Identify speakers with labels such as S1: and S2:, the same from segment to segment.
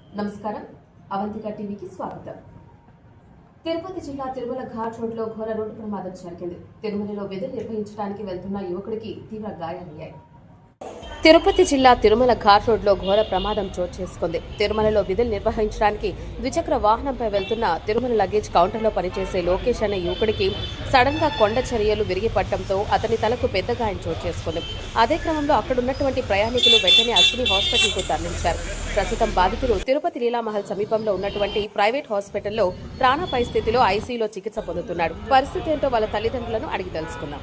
S1: నమస్కారం, అవంతిక టీవీకి స్వాగతం. తిరుపతి జిల్లా తిరుమల ఘాట్ రోడ్లో ఘోర రోడ్డు ప్రమాదం జరిగింది. తిరుమలలో విధులు నిర్వహించడానికి వెళ్తున్న యువకుడికి తీవ్ర గాయాలయ్యాయి. తిరుపతి జిల్లా తిరుమల ఘాట్ రోడ్లో ఘోర ప్రమాదం చోటు చేసుకుంది. తిరుమలలో విధులు నిర్వహించడానికి ద్విచక్ర వాహనంపై వెళ్తున్న తిరుమల లగేజ్ కౌంటర్లో పనిచేసే లోకేష్ అనే యువకుడికి సడన్ గా కొండ చర్యలు విరిగిపడటంతో అతని తలకు పెద్ద గాయం చోటు చేసుకుంది. అదే క్రమంలో అక్కడున్నటువంటి ప్రయాణికులు వెంటనే అశ్విని హాస్పిటల్కు తరలించారు. ప్రస్తుతం బాధితులు తిరుపతి లీలామహల్ సమీపంలో ఉన్నటువంటి ప్రైవేట్ హాస్పిటల్లో ప్రాణాపాయ స్థితిలో ఐసీయూలో చికిత్స పొందుతున్నాడు. పరిస్థితి ఏంటో వాళ్ళ తల్లిదండ్రులను అడిగి తెలుసుకున్నాం.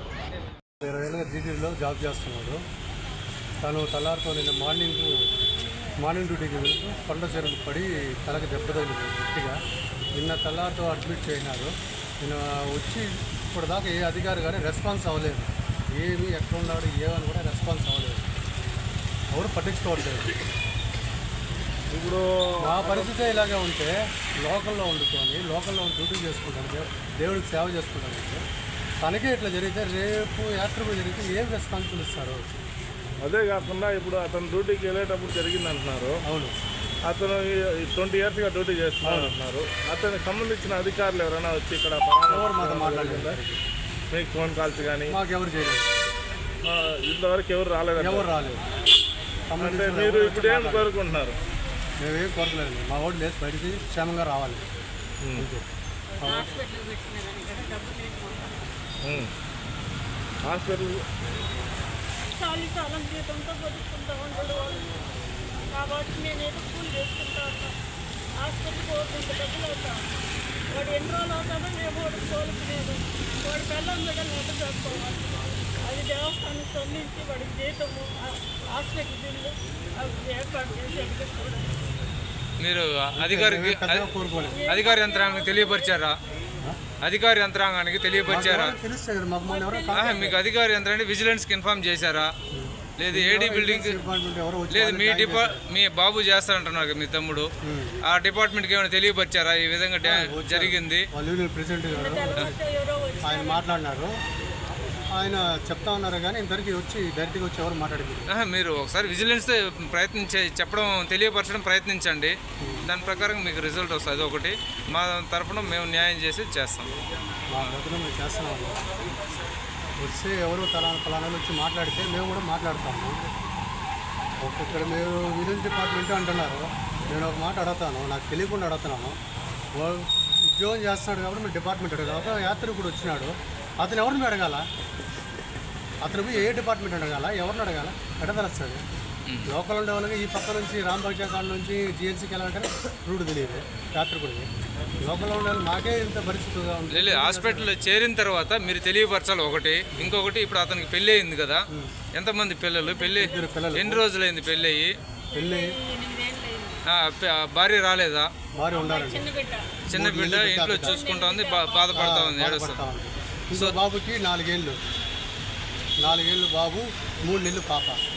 S2: తను తలారితో నిన్న మార్నింగ్ డ్యూటీకి వెళ్తూ కొండ చెరువుకు పడి తలకి దెబ్బ తగిలింది గట్టిగా. నిన్న తలారితో అడ్మిట్ చేసినారు. నిన్న వచ్చి ఇప్పుడు దాకా ఏ అధికారి కానీ రెస్పాన్స్ అవ్వలేదు. ఏమి ఎక్కడ ఉన్నాడు ఏమని కూడా రెస్పాన్స్ అవ్వలేదు. ఎవరు పట్టించుకోవట్లేదు. ఇప్పుడు మా పరిస్థితి ఇలాగే ఉంటే లోకల్లో డ్యూటీ చేసుకుంటాను, దేవుడికి సేవ చేసుకుంటానంటే తనకే ఇట్లా జరిగితే రేపు యాత్రకు జరిగితే ఏం రెస్పాన్సిబుల్ ఇస్తారు?
S3: అదే కాకుండా ఇప్పుడు అతను డ్యూటీకి వెళ్ళేటప్పుడు జరిగింది అంటున్నారు.
S2: అవును,
S3: అతను 20 yearsగా డ్యూటీ చేస్తున్నారు అంటున్నారు. అతనికి సంబంధించిన అధికారులు ఎవరైనా వచ్చి ఇక్కడ
S2: ఎవరు మాతో మాట్లాడలేదు,
S3: మీకు ఫోన్ కాల్స్ కానీ
S2: మాకెవరు చేయలేదు,
S3: ఇంతవరకు ఎవరు రాలేదు. అంటే మీరు ఇప్పుడు ఏం కోరుకుంటున్నారు?
S2: మేమేం కోరలేదు. మా ఓటు లేదు, బయటికి క్షేమంగా రావాలి.
S3: హాస్పిటల్
S4: చాలాకాలం జీతంతో బతుకుంటూ ఉంటాడు వాళ్ళు. కాబట్టి నేనేదో కూలి చేసుకుంటా ఉంటాను. హాస్పిటల్కి పోతుంటే డబ్బులు అవుతాను. వాడు ఎన్ని రోజులు అవుతాడో మేము వాడు కోలుకునేది. వాడి పిల్లలు కూడా నెట్టు చేసుకోవాలి. అది దేవస్థానం స్పందించి వాడికి జీతము హాస్పిటల్ బిల్లు అవి ఏర్పాటు చేసి ఎదుగుతాడు.
S5: మీరు అధికార యంత్రాంగానికి తెలియపరిచారా? అధికార యంత్రాంగానికి తెలియపరిచారా? మీకు అధికార యంత్రాన్ని విజిలెన్స్కి ఇన్ఫార్మ్ చేశారా? లేదు ఏడీ బిల్డింగ్ లేదు మీ బాబు చేస్తారంటున్నారు మీ తమ్ముడు, ఆ డిపార్ట్మెంట్కి ఏమైనా తెలియపరిచారా ఈ విధంగా జరిగింది?
S2: ఆయన మాట్లాడినారు, ఆయన చెప్తా ఉన్నారు కానీ ఇంతవరకు డైరెక్ట్గా వచ్చి ఎవరు మాట్లాడారు?
S5: మీరు ఒకసారి విజిలెన్స్ చెప్పడం తెలియపరచడం ప్రయత్నించండి. దాని ప్రకారం మీకు రిజల్ట్ వస్తుంది. ఒకటి మా తరఫున మేము న్యాయం చేసి చేస్తాం.
S2: మా దగ్గర మేము చేస్తున్నాము. వస్తే ఎవరు ఫలానా వచ్చి మాట్లాడితే మేము కూడా మాట్లాడతాము. ఇక్కడ మీరు విజిలెన్స్ డిపార్ట్మెంట్ అంటున్నారు. నేను ఒక మాట అడుగుతాను, నాకు తెలియకుండా అడుగుతున్నాను. ఉద్యోగం చేస్తున్నాడు కాబట్టి మీరు డిపార్ట్మెంట్ అడగాలి. యాత్రికుడు వచ్చినాడు, అతను ఎవరిని అడగాల? అతను పోయి ఏ డిపార్ట్మెంట్ అడగాల? ఎవరిని అడగాల? ఎట్లా తెలుస్తుంది? లోకల్ ఉండే వాళ్ళకి ఈ పక్క నుంచి రాంబాగ్ కాడ నుంచి జిఎన్సీకి వెళ్ళాలంటే రూట్ తెలియదు యాత్రికుడికి. లోకల్ ఉండే వాళ్ళు మాకే ఇంత పరిస్థితిగా ఉంది.
S5: హాస్పిటల్లో చేరిన తర్వాత మీరు తెలియపరచాలి. ఒకటి ఇంకొకటి, ఇప్పుడు అతనికి పెళ్ళి అయింది కదా, ఎంతమంది పిల్లలు? పెళ్ళి ఎన్ని రోజులైంది పెళ్ళి అయ్యి? భార్య రాలేదా?
S2: భార్య ఉండాలి,
S5: చిన్న బిడ్డ ఇంట్లో చూసుకుంటా ఉంది, బాధపడతా ఉంది, ఏడుస్తుంది.
S2: సో బాబుకి 4 ఏళ్ళు బాబు, 3 నెలలు పాప.